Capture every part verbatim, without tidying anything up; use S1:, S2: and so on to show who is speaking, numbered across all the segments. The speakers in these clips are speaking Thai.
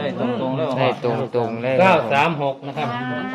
S1: ได้ตรงๆแล้ว
S2: ได้ตรงตรงเลย
S1: เก้าสามหกนะครับ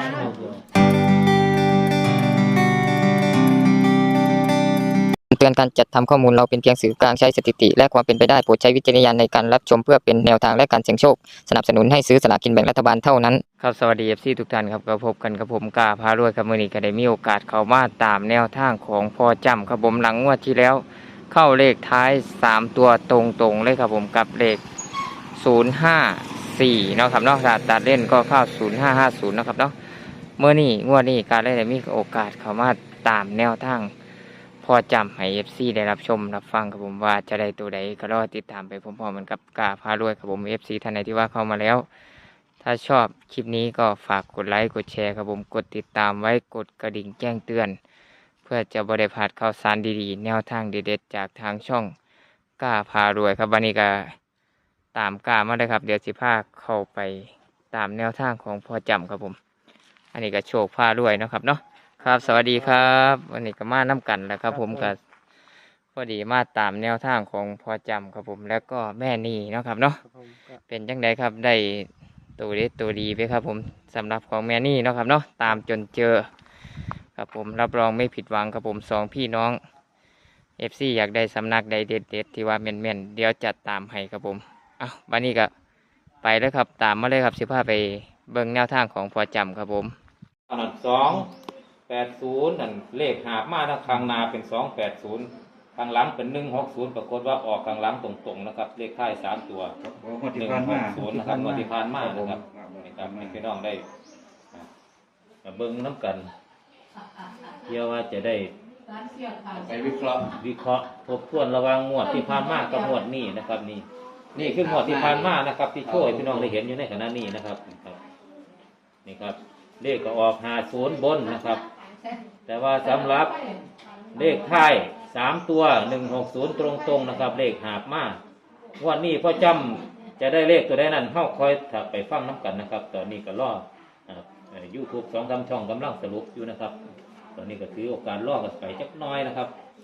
S2: เตือนการจัดทำข้อมูลเราเป็นเพียงสื่อกลางใช้สถิติและความเป็นไปได้โปรดใช้วิจารณญาณในการรับชมเพื่อเป็นแนวทางและการเสี่ยงโชคสนับสนุนให้ซื้อสลากกินแบ่งรัฐบาลเท่านั้นครับสวัสดี เอฟ ซี ทุกท่านครับก็พบกันกับผมกาพารวยครับมื้อนี้ก็ได้มีโอกาสเข้ามาตามแนวทางของพ่อจำครับผมหลังงวดที่แล้วเข้าเลขท้ายสามตัวตรงๆเลยครับผมกับเลขศูนย์ห้าสี่เนาะครับเนาะถ้าตัดเล่นก็เข้าศูนย์ห้าห้าศูนย์นะครับเนาะเมื่อนี้งวดนี้การได้มีโอกาสเข้ามาตามแนวทางพอจำให้ เอฟ ซี ได้รับชมรับฟังครับผมว่าจะได้ตัวใดก็รอติดตามไปพร้อมๆกันกับกาพารวยครับผม เอฟ ซี ท่านใดที่ว่าเข้ามาแล้วถ้าชอบคลิปนี้ก็ฝากกดไลค์กดแชร์ครับผมกดติดตามไว้กดกระดิ่งแจ้งเตือนเพื่อจะบ่ได้พลาดข่าวสารดีๆแนวทางเด็ดๆจากทางช่องกาพารวยครับวันนี้ก็ตามกามาเลยครับเดี๋ยวสิพาเข้าไปตามแนวทางของพอจำครับผมอันนี้ก็โชคพารวยนะครับเนาะครับสวัสดีครับวันนี้ก็มาน้ำกันแล้วครับผมก็พอดีมาตามแนวทางของพอจำครับผมแล้วก็แม่นี่เนาะครับเนาะเป็นจังไดครับได้ตัวดีตัวดีไปครับผมสำหรับของแม่นี่เนาะครับเนาะตามจนเจอครับผมรับรองไม่ผิดหวังครับผมสองพี่น้อง เอฟ ซี อยากได้สำนักใดเด็ดเด็ดที่ว่าแม่นแม่นเดี๋ยวจัดตามให้ครับผมอ้าววันนี้ก็ไปแล้วครับตามมาเลยครับสิพาไปเบิ่งแนวทางของพอจำครับผม
S1: อันนั้นสองแปดศูนย์นั่นเลขหาบมาทางข้างหน้าเป็นสองแปดศูนย์ข้างหลังเป็นหนึ่งหกศูนย์ปรากฏว่าออกข้างหลังตรงๆนะครับเลขท้ายสามตัวหนึ่งหกศูนย์นะครับงวดที่ผ่านมานะครับนี่ครับให้พี่น้องได้มาเบิ่งน้ำกันเพื่อว่าจะได้ไปวิเคราะห์วิเคราะห์ทบทวนระหว่างงวดที่ผ่านมากับงวดนี้นะครับนี่นี่คืองวดที่ผ่านมานะครับที่ช่วยพี่น้องได้เห็นอยู่ในขณะนี้นะครับนี่ครับเลขก็ออกห้าศูนย์บนนะครับแต่ว่าสำหรับเลขท้ายสามตัวหนึ่งหกศูนย์ตรงๆนะครับเลขหาบมากวันนี้พ่อจำจะได้เลขตัวใดนั้นเข้าคอยถักไปฟังน้ำกันนะครับตอนนี้ก็รอยูทูบสองสามช่องกำลังสรุปอยู่นะครับตอนนี้ก็ถือโอกาสล่อกันไปจักน้อยนะครับ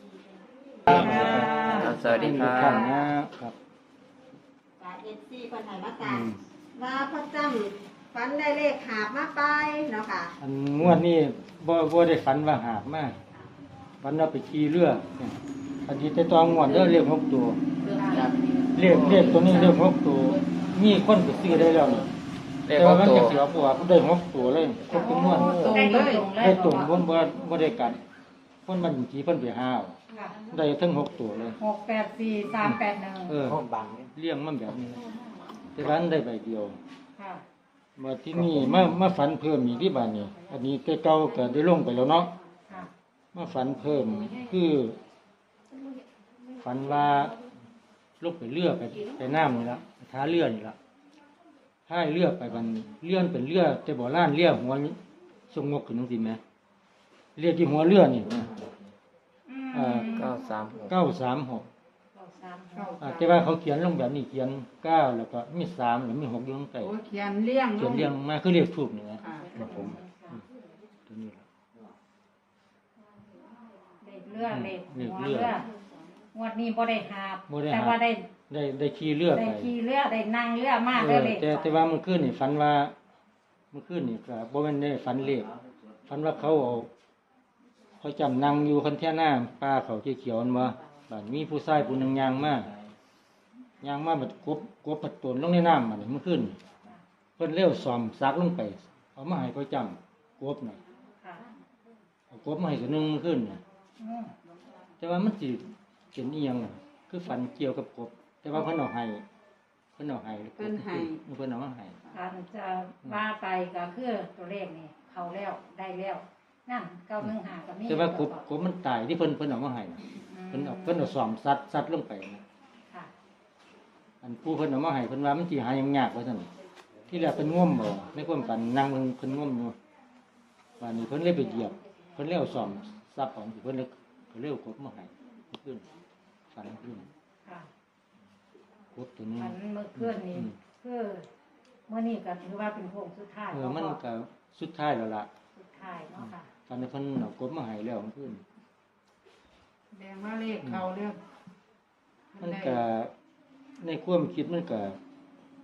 S2: สวัสดีครับ
S3: ครับเอฟซีคนไหนมาตามว่าพ่อจำฝันได้เลขหาบมาไปเนาะค่ะ
S4: อันงวดนี้บ่บ่ได้ฝันว่าหาบมาฝันว่าไปขี่เรืออันนี้แต่ตอนงวดเด้อเรียกหกตัวเรียกเรียกตัวนี้เรียกหกตัวมีคนไปซื้อได้แล้วนี่แต่ว่ามันจะเสียเพราะว่าได้หกตัวเลยครบทุกงวด
S3: ได้เลย
S4: ได้ตรงบ่บ่บ่ได้กัดคนมันขี่เพิ่นไปหาได้ทั้งหกตัวเลย
S5: หกแปดสี่สามแปดหนึ่ง
S4: เออเลี้ยงมันแบบนี้แต่ว่าได้ใบเดียวมาที่นี่มามาฝันเพิ่มอีกที่บ้านนี่อันนี้แต่เก่าก็ได้ลงไปแล้วเนาะมาฝันเพิ่มคือฝันว่าลูกไปเรือไปไปน้ำนี่ละท้าเรือนี่ละท้ายเรือไปมันเลื่อนเป็นเรือแต่บ่อล้านเรือหัวทรงงกขึ้นจริงไหมเรือที่หัวเรือนี่
S2: เก้าสามหก
S4: เก้าสามหกแต่ว่าเขาเขียนลงแบบนี้เขียนเก้าแล้วก็มีสามแล้วมีหกอยู่ข้างใต้
S5: เขียนเลี้ยง
S4: เขียนเลี้ยงมาคือเรียกถูกนี่นะครับผมตัวนี้ละ
S5: เล็กเรือเล็กหัวเรืองวดนี้บ่ได้หาบแต่ว่าได้
S4: ได้ได้ขี่เรือไป
S5: ได้ขี่เรือได้นั่งเรือมากเลย
S4: แต่แต่ว่ามันขึ้นนี่ฝันว่ามันขึ้นนี่ก็บ่แม่นได้ฝันเลขฝันว่าเขาเอาเขาจำนั่งอยู่คันแท่หน้าป้าเขาเขียวๆมันว่าบ้านมีผู้ชายผู้นึงยางมากยางมาแบบกบกบปัดตนลงในน้ำมันมันขึ้นเพิ่นเลี้ยวซอมซักลงไปเอามาให้เขาจำกบหน่อยเอากบมาให้ตัวนึงมันขึ้นแต่ว่ามันสิเป็นอีหยังคือฝันเกี่ยวกับกบแต่ว่าเพิ่นเอาให้เพิ่นเอาให้
S3: เพิ่นให้
S4: เพิ่นเอามาให้
S5: การจะว่าไปก็คือตัวเลขนี่เข้าแล้วได้แล้วนั่นเก้าหนึ่งห้าก็มี
S4: แต่ว่ากบกบมันตายที่เพิ่นเพิ่นเอามาให้เพิ่นเอาเพิ่นเอาซอมซัดซัดลงไปอันผู้เพิ่นเอามาให้เพิ่นว่ามันสิหายังยากว่าซั่นที่แรกเพิ่นง่วมบ่ในความฝันนั่งเพิ่นเพิ่นง่วมอยู่วันนี้เพิ่นเลยไปเหยียบเพิ่นเลยเอาซอมซับของเพิ่นเลยเพิ่นเลยเอากบมาให้ขึ้นฝันขึ้นกบตัวนี้
S5: ฝันเมื่อคืนนี้คือเมื่อนี้ก็ถือว่าเป็นโค้งสุดท้าย
S4: เออมันก็สุดท้ายแล้วล่ะ
S5: สุดท้ายเนาะค่ะ
S4: ฝันเพิ่นเอากบมาให้แล้วขึ้น
S5: แดงว่าเลขเขาเรื่อง
S4: มันก็ในความคิดมันก็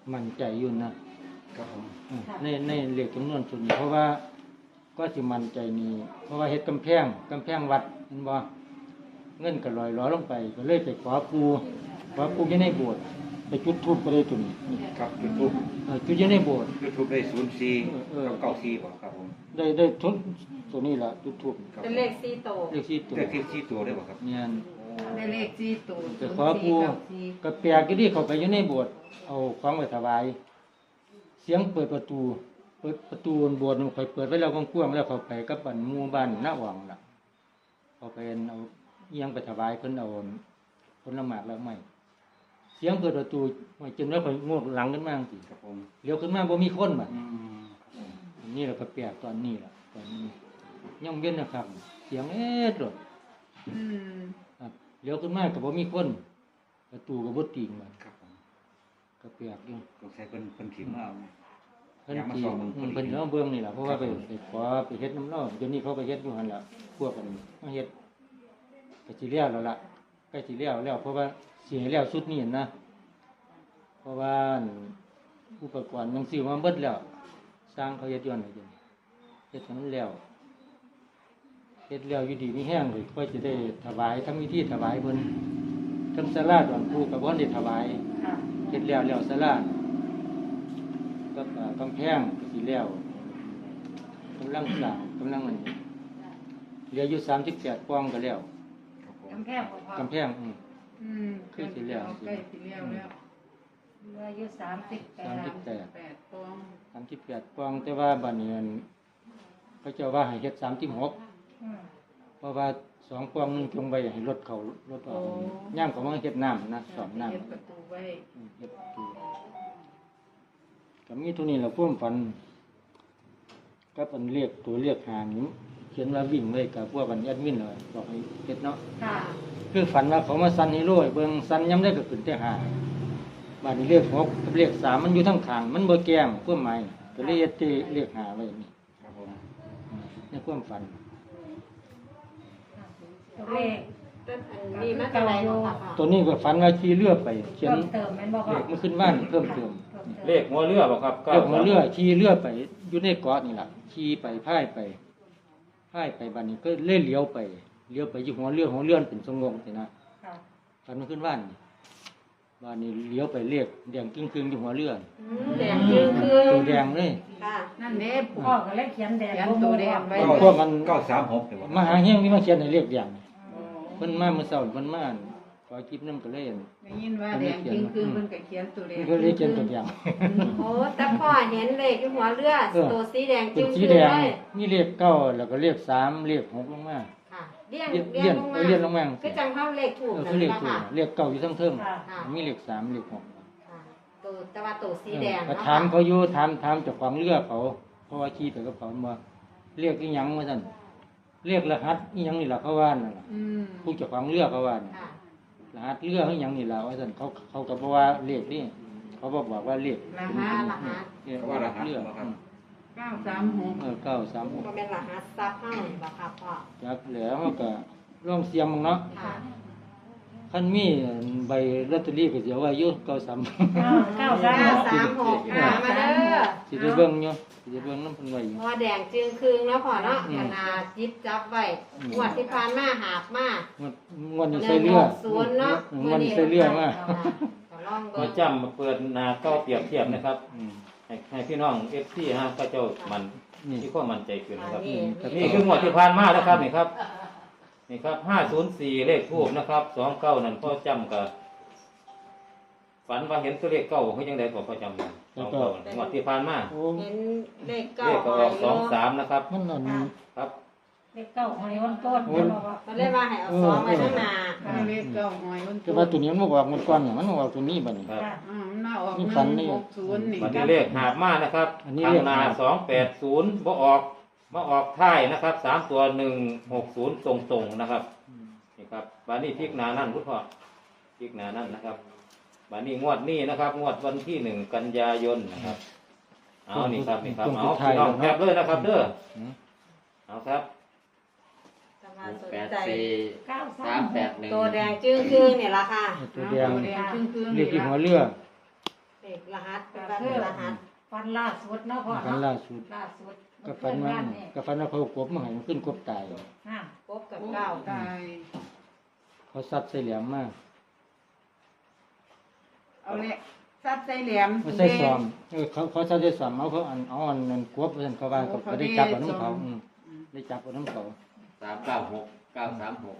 S4: มั่นใจอยู่นะครับ
S6: ผม
S4: อืมในในเลขจำนวนส่วนนี้เพราะว่าก็สิมั่นใจนี่เพราะว่าเฮ็ดกำแพงกำแพงวัดเห็นบ่เงินก็ลอยล้อลงไปก็เลยไปขอปูขอปูอยู่ในโบสถ์ไปจุดธูปก็ได้ตัวนี้นี่
S6: ครับยูทูบ
S4: เออจุดอยู่ในโบสถ์
S6: ยูทูบได้ศูนย์สี่
S4: เออ
S6: กับเก้าสี่บ่ครับผม
S4: ได้ได้ทุนตัวนี้ล่ะจุดธูป
S6: ครับ
S3: เป็นเลขสี่โตว
S4: เลขสี่ตัว
S6: ได้ที่สี่ตัวได้บ่ครับ
S4: เนี่ย
S5: ได้เลขสี่ตัว
S4: ไปขอปูก็แปลกอยู่ที่เขาไปอยู่ในโบสถ์เอาของไปถวาย เสียงเปิดประตู เปิดประตูบนโบสถ์ข่อยเปิดไว้แล้วกว้างๆแล้วเขาไปกับบ้านหมู่บ้านหน้าหวังล่ะเขาไปเอาเอียงไปถวายเพิ่นเอาผลไม้แล้วไม่เสียงเปิดประตูไม่จนแล้วข่อยงวกหลังขึ้นมาจังซี่
S6: ครับผม
S4: เลี้ยวขึ้นมาบ่มีคนบัด
S6: อืม
S4: อันนี่แหละก็แปลกตอนนี้ล่ะตอนนี้ย่องเว้นนะครับ เสียงเอ๊ะโดด
S5: อืม
S4: ครับเลี้ยวขึ้นมาก็บ่มีคน ประตูก็บ่ติงบัด
S6: ครับผม
S4: ก็แปลกอยู่
S6: สงสัยเพิ่นเพิ่นถิ่มมาเอา
S4: เพิ่น
S6: อยากมา
S4: ตี
S6: ส่องเบิ่ง
S4: อืม
S6: พอดี
S4: เพิ่นเอาเบิ่งนี่ล่ะเพราะว่าไปไปขอไปเฮ็ดน้ำเล่าเดี๋ยวนี้เขาไปเฮ็ดอยู่หั่นล่ะพวกกันมาเฮ็ดก็สิแล้วแล้วล่ะใกล้สิแล้วแล้วเพราะว่าสิให้แล้วสุดนี้นะ เพราะว่าอุปกรณ์มันซื้อมาเบิดแล้ว สร้างเขาเฮ็ดย้อนให้เดี๋ยวนี้เฮ็ดให้มันแล้วเฮ็ดแล้วอยู่ดีมีแห้งเลยค่อยสิได้ถวายทำพิธีถวายเพิ่นทั้งศาลาดอนปูก็บ่ได้ถวาย
S5: ค่ะ
S4: เฮ็ดแล้วแล้วศาลากับอ่ากำแพงก็สิแล้วกำลังสร้างกำลังอันนี้เหลืออยู่สามสิบแปดปล่องก็แล้ว
S6: ครับผม
S5: กำแพงบ่พอก
S4: ำแพงอืม
S5: อืม
S4: คือสิแล้ว
S5: ใกล้สิแล้วแล้วเหลืออยู่สามสิบแป
S4: สาม
S5: ด
S4: สิบแปด
S5: แปดปอง
S4: สามสิบแปดปล่องแต่ว่าบัดนี้อันเขาเจ้าว่าให้เฮ็ดสามสิบหก
S5: อืม
S4: เพราะว่าสองปล่องหนึงจงไว้ให้รถเขารถออกย่ามเขามาเฮ็ดน้ำนะสอบน้ำ
S5: เฮ็ดประตูไว้
S4: อืมเฮ็ดประตูก็มีเตัวนี้เราพ่วมฝันก็เป็นเรียกตัวเรียกหางนี้เขียนว่าวิ่งไว้กับพวกกันแอดมินเลยบอกให้เฮ็ดเนาะ
S5: ค่ะ
S4: คือฝันว่าเขามาซันฮีโร่ให้เบิ่งซันย้ำได้ก็ขึ้นแต่หาบาดนี้เรียกหกกับเรียกสามมันอยู่ทั้งขางมันบ่แก้งเพื่อหมายก็เลยเฮ็ดที่เรียกหาไว้นี่
S6: ครับผม
S4: อืมในความฝัน
S5: ตัวเลข
S3: ต้นอันนี้มาจากไหนเนาะค่ะพ่อ
S4: ตัวนี้ก็ฝันว่าขี่เรือไปเขียน
S5: เพิ่มเติมแม่นบ่พ่
S4: เล
S5: อ
S4: ขมันขึ้นว่านเพิ่มเติม
S5: เพิ่มเติม
S1: เลขหัวเรือบ่ครับ
S4: เรียกหัวเรือขี่เรือไปอยู่ในเกาะนี่ล่ะขี่ไปพายไปพายไปบัดนี้ก็เล่เลี้ยวไปเลี้ยวไปอยู่หัวเรือหัวเรือมันเป็นสงงสินะ
S5: ค่ะ
S4: ฝันมันขึ้นว่านนี่บ้านนี้เลี้ยวไปเรียกแดงครึ่งๆอยู่หัวเรือ
S3: อืมแดงจืดคือ
S4: ตัวแดงเลย
S3: ค่ะ
S5: นั่นเด้พ่อก็เลยเขียนแดง
S7: เขียนตัวแดงไว้
S4: พวกมัน
S6: เก้าสามหกเลยบ่
S4: มาหาเฮี้ยงนี่มาเขียนในเรียกแดงเพิ่นมาเมื่อเช้าเพิ่นมาอั่นขอคลิปนำก็เลยอั่น
S7: ได้ยินว่าแดงจริงคือมันก็เขียนตัวแดง
S4: เพิ่นก็เลยเขียนตัวแดง
S3: โอ้แต่พ่อเห็นเลขที่หัวเรือ
S4: เออ
S3: ตัวสีแดง
S4: เป็
S3: จึ
S4: น
S3: ง
S4: สี
S3: คือ
S4: แดง
S3: เลย
S4: มีเลขเก้าแล้วก็เลขสามเลขหกลงมา
S3: ค่ะเลี่ยง
S4: เลียน
S3: เลี่ยงลงมา
S4: เลียนลงมา
S3: คือจังเข้าเลขถูก
S4: เออ
S3: นะ
S4: คือเลข
S3: คะ
S4: ถูก
S3: ค่ะ
S4: เลขเก้าอยู่ทั้งเทิง
S5: ค่ะ
S3: ค่ะ
S4: มีเลขสามเลขหก
S3: ค่ะตัวแต่ว่าตัวสีแดง
S4: ก็
S3: เนาะ
S4: ถามเขาอยู่ถามถามเจ้าของเรือเขาเพราะว่าขี่ไปกับเขามาเรียกอีหยังว่าซั่นเรียกรหัสอีหยังนี่ล่ะเขาว่านั่นล่ะ
S7: อืม
S4: ผู้เจ้าของเรือเขาว่าน่ะ
S3: ค่ะ
S4: รหัสเรืออีหยังนี่ล่ะว่าซั่นเขาเขาก็บ่ว่าเลขนี่เขาบอกบอกว่าเลข
S7: ร
S3: ร
S7: หัส
S3: หัส
S4: เรียกว่ารหัสเรืออืม
S7: เก้าสามหก
S4: เออเก้าสามหก
S3: มันเป็นรหัสซับเข้าหรือเปล่าครับพ่อ
S4: จักแล้วเขาก็ลองเสียงมึงเนาะ
S3: ค่ะ
S4: คันมีใบลอตเตอรี่ก็สิเอาไว้อยู่เก้าสาม
S5: เก้าเก้าสาม
S3: เก้า
S5: หก
S3: สามหกค่ะมาเด้อ
S4: สิได้เบิ่งอยู่สิได้เบิ่งนำเพิ่นไว้อยู่
S3: หัวแดงจึงคืงแล้วพ่อเนาะ
S4: อืม
S3: ขนาดยิบจับไว้
S4: อืม
S3: งวดที่ผ่านมาหาบมา
S4: งวดงวดนี้ใส่เรือ
S3: ศูนย์เนาะ
S4: อืมงวดนี้ใส่เรือมา
S3: ค่ะก็ลอง
S1: มา
S3: เบิ่ง
S1: จำมาเปิดหนาเก้าเปรียบเทียบนะครับ
S4: อืม
S1: ให้ให้พี่น้องเอฟซีฮะก็เจ้ามัน
S4: นี่
S1: ที่ข้อมันใจขึ้นนะครับ
S3: นี่
S1: นี่คืองวดที่ผ่านมานะครับนี่ครับนี่ครับห้าศูนย์สี่เลขทูบนะครับสองเก้านั่นพ่อจำกับฝันว่าเห็นตัวเลขเก้าเขายังได้บอกพ่อจำอยู่สองเก้างวดที่ผ่านมา
S4: โอ้
S3: เห็นเลขเก้า
S1: เลขก็ออกสองสามนะครับ
S4: มันอัน
S1: ครับ
S5: เลขเก้าหอยวันต้นแม่นบ่พ่อ
S3: มันเรียกว่าให้เอาซองไว้ข้างหน้า
S7: ให้เลขเก้าหอยวัน
S4: แต่ว่าตัวนี้มันบ่ออกหมดก่อนเนี่ยมันบ่ออกตัวนี้บัดนี้
S1: ครับ
S5: ค่ะ
S7: อ่ามันน่าออก
S4: นี่
S7: ห
S4: ฝัน
S7: นึ่ง
S4: นี่
S7: หกศูนย์นี่
S1: วันนี้เลขหาบมานะครับ
S4: อันนี้
S1: ทา
S4: เล
S1: ง
S4: ข
S1: นา
S4: หาบ
S1: สองแปดศูนย์บ่ออกมาออกท้ายนะครับสามตัวหนึ่งหกศูนย์ตรงๆนะครับนี่ครับวันนี้พลิกหนานั่นพุทธพ่อพลิกหนานั่นนะครับวันนี้งวดนี้นะครับ งวดวันที่หนึ่งกันยายนนะครับเอานี่ครับนี่ครับเอาพี่น้องแคปเลยนะครับเด้อ
S4: อืม
S1: เอาครับ
S3: สมาสน
S8: แปด
S3: ใจ
S8: สี่
S5: เก้าสา
S8: สาม
S5: ม
S8: แปดหนึ่ง
S3: ตัวแดงจึ้งคืงเนี่ยละค่ะ
S4: ตัว
S7: อ่า
S4: แดง
S7: ตัวแดงครึ่งครึ่ง
S4: เรียกที่หัวเรือ
S3: เลขรหัสเป็นแบบเป็นรหัส
S5: ฟันล่าสุดเนาะพ่อ
S4: ฝัน
S5: เนาะ
S4: ล่าสุด
S5: ล่าสุด
S4: ก็ฝันว่า
S5: นี่
S4: ก็ฝันว่าเขากบมาให้มันขึ้นกบตาย
S5: ห้าม
S3: กบกับเก้า
S7: ตาย
S4: เขาซัดใส่เหลี่ยมมา
S7: เอาแหละซัดใส่แหลม
S4: เขาใส่ซ้อมเออเขาเขาซัดใส่ซ้อมเอาเขาอันเอาอันนั้นกบเพิ่นเขาว่าก็ได้จับเอาน้ำเขาอืมได้จับเอาน้ำเขา
S1: สามเก้าหกเก้าสามหก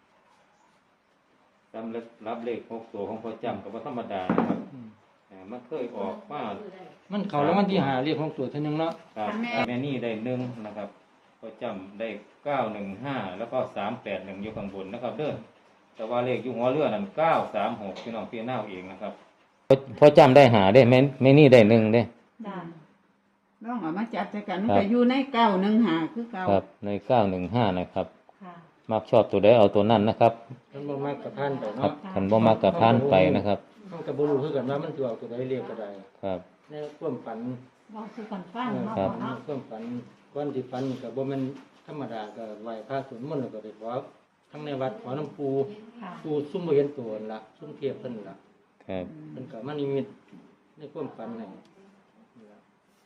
S1: สำหรับรับเลขหกตัวของพ่อจำกับว่าธรรมดานะครับ
S4: อืม
S1: อ่ามันเคยออกมา
S4: มันเขาแล้วมันที่หาเรียกของตัวเท่านึงเนาะ
S1: ครับแม่นี่ได้หนึ่งนะครับพ่อจำได้เก้าหนึ่งห้าแล้วก็สามแปดหนึ่งอยู่ข้างบนนะครับเด้อแต่ว่าเลขอยู่หัวเรือนั่นเก้าสามหกพี่น้องพี่น้าเองนะครับพ่อจำได้หาได้แม่แม่นี่ได้หนึ่งเด้
S5: จ้า
S7: น้องเอามาจัดใส่กันมัน
S1: ครับ
S7: ก็อยู่ในเก้าหนึ่งหาคือเก้า
S1: ครับในเก้าหนึ่งห้านะครับ
S5: ค่ะ
S1: มักชอบตัวใดเอาตัวนั้นนะครับ
S4: มันบ่มากกับพันไป
S1: ครั
S4: เนาะ
S1: บขันบ่มักกับพานไปนะครับ
S4: มันก็บ่รู้คือกันว่ามันสิเอาตัวใดเรียกก็ได้
S1: ครับ
S4: ในความฝัน
S5: ลองซื้อกันฟังเนาะ
S1: ครั
S5: พ่อบ เนาะ
S4: ความฝันก่อนที่ฝันก็บ่แม่นธรรมดาก็ไหว้พระสวดมนต์แล้วก็ได้ขอทั้งในวัดขอน้ำปู
S5: ค่ะ
S4: ปูซุ่มบ่เห็นตัวนั่นล่ะซุ่มเทียบเพิ่นล่ะ
S1: ครับ
S4: เพิ่นก็มานิมิตในความฝันให้นี่ล่ะ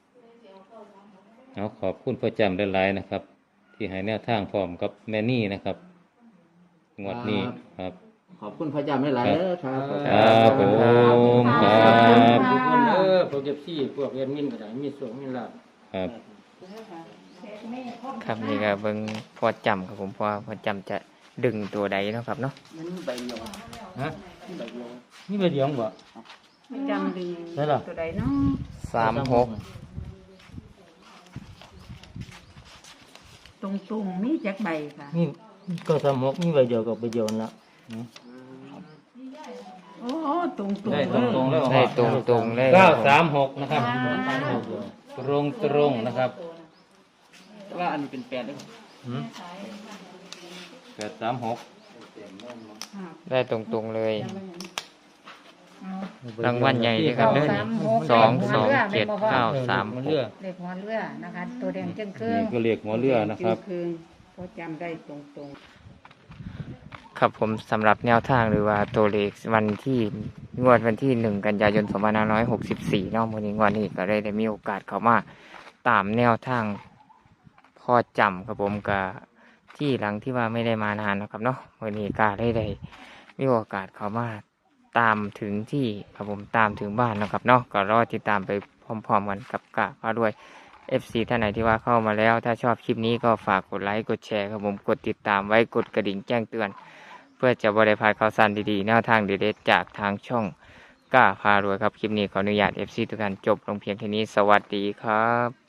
S1: เอาขอบคุณพ่อจำได้หลายนะครับ ที่ให้แนวทางพร้อมกับแม่นี่นะครับงวดนี้ครับ
S8: ขอบคุณพระเจ้าไม่หลายเด้อครับ
S1: ครับผมครับ
S4: ทุกคนเด้อพวกเอฟซีพวกแอดมินก็ได้มีส่งมีลาภ
S1: ครับ
S2: ครับนี่ก็เบิ่งพอจำครับผมพอพอจำจะดึงตัวใดเนาะครับเนาะ
S8: มันใบเดียว
S4: ฮะ
S8: ใบเดียว
S4: นี่ใบเดียวบ่
S7: ไม่จำดึง
S4: ได้ล่ะ
S7: ตัวใดเนาะ
S2: สามหก
S7: ตรงตรงๆมีจักใบค่ะ
S4: นี่ก็สามหกมีใบเดียวกับใบเดียวนั่นล่ะ
S7: โอ้ตรงตรง
S1: ได้ตรงๆแล้ว
S2: ได้ตรงตรงๆเลย
S1: เก้าสามหกนะครับ
S4: ใบเดียว
S1: ตรงตรงๆนะครับ
S8: แต่ว่าอันนี้เป็นแปดเด้อ
S1: หืมแปดสามหก
S2: ได้ตรงตรงๆเลยรางวัลใหญ่เลยครับเด้อสองสองเจ็ดเก้าสามหก
S5: เลขหัวเรือนะคะ ตัวแดงจึงครึ่
S1: นี่
S5: ง
S1: ก็เรียกหัวเรือนะครับ
S7: คือพอจำได้ตรงตรง
S2: ครับผมสำหรับแนวทางหรือว่าตัวเลขวันที่งวดวันที่หนึ่งกันยายนสองพันห้าร้อยหกสิบสี่เนาะวันนี้งวดนี้ก็ได้ได้มีโอกาสเข้ามาตามแนวทางพอจำครับผมกับที่หลังที่ว่าไม่ได้มานานนะครับเนาะวันนี้ก็ได้ได้มีโอกาสเข้ามาตามถึงที่ครับผมตามถึงบ้านนะครับเนาะก็รอติดตามไปพร้อมๆกันกับกะก็ด้วย เอฟ ซี ท่านไหนที่ว่าเข้ามาแล้วถ้าชอบคลิปนี้ก็ฝากกดไลค์กดแชร์ครับผมกดติดตามไว้กดกระดิ่งแจ้งเตือน เพื่อจะบริพลาดข่าวสารดีๆแนวทางเด็ดๆจากทางช่องกล้าพารวยครับคลิปนี้ขออนุญาต เอฟ ซี ทุกท่านจบลงเพียงแค่นี้สวัสดีครับ